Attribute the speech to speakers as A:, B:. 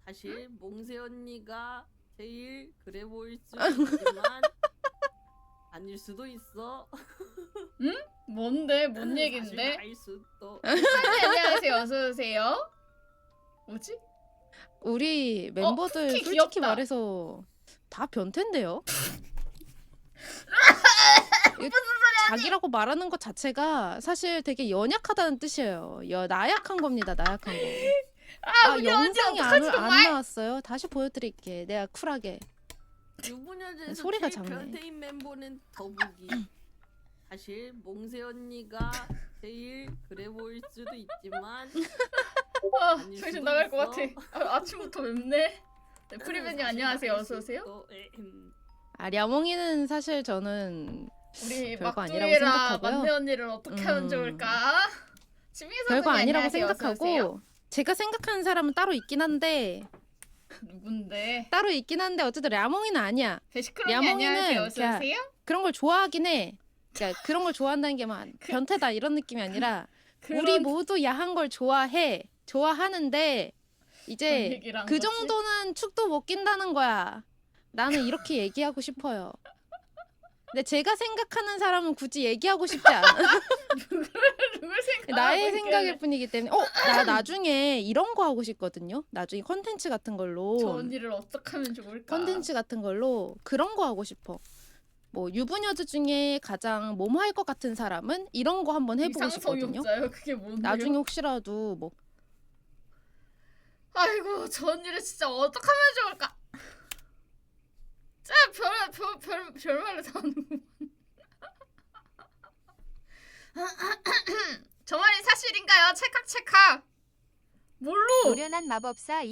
A: 사실 몽세 언니가 제일 그래 보일 수도 있지만 아닐 수도 있어.
B: 응? 뭔데? 뭔
A: 사실
B: 얘긴데?
A: 나일 수도.
B: 안녕하세요. 어서 오세요. 뭐지?
C: 우리 멤버들
B: 쿠키
C: 솔직히
B: 귀엽다.
C: 말해서 다 변태인데요? 자기라고 말하는 것 자체가 사실 되게 연약하다는 뜻이에요. 나약한 겁니다. 나약한 거.
B: 우리 언니
C: 영상이
B: 어떡하지,
C: 안
B: 정말?
C: 나왔어요. 다시 보여드릴게. 내가 쿨하게.
A: 유부녀제에서
C: 소리가
A: 제일
C: 작네.
A: 변태인 멤버는 더북이. 사실 몽세 언니가 제일 그래 보일 수도 있지만 아닐
B: 정신
A: 수도
B: 나갈 것
A: 있어.
B: 같아. 아침부터 맵네. 네, 프리맨님
A: 사실
B: 안녕하세요.
A: 나일
B: 어서 오세요.
A: 수도.
C: 랴몽이는 사실 저는
B: 우리
C: 별거 아니라고
B: 막둥이랑
C: 생각하고요.
B: 막내 언니를 어떻게 하면 좋을까? 지민이
C: 별거
B: 선생님
C: 아니라고
B: 안녕하세요. 어서 오세요.
C: 생각하고 제가 생각하는 사람은 따로 있긴 한데
B: 누군데?
C: 어쨌든 랴몽이는 아니야.
B: 베시크롬이
C: 야몽이는
B: 안녕하세요. 어서
C: 그냥
B: 오세요.
C: 그런 걸 좋아하긴 해. 그러니까 그런 걸 좋아한다는 게 막 변태다 이런 느낌이 아니라 우리 모두 야한 걸 좋아해. 좋아하는데 이제
B: 얘기를 한
C: 그
B: 거지?
C: 정도는 축도 못 낀다는 거야. 나는 이렇게 얘기하고 싶어요. 근데 제가 생각하는 사람은 굳이 얘기하고 싶지 않아.
B: 누굴 생각하고
C: 나의
B: 있길래.
C: 생각일 뿐이기 때문에 나 나중에 이런 거 하고 싶거든요. 나중에 컨텐츠 같은 걸로
B: 저 언니를 어떻게 하면 좋을까?
C: 컨텐츠 같은 걸로 그런 거 하고 싶어. 뭐 유부녀들 중에 가장 몸할 것 같은 사람은 이런 거 한번 해보고 싶거든요.
B: 이상성욕자요? 그게 뭔데요?
C: 나중에 혹시라도 뭐
B: 아이고 저 언니를 진짜 어떻게 하면 좋을까? 진짜 별말을 다 하는구만. 저 말이 사실인가요? 찰칵찰칵. 뭘로?
D: 노련한 마법사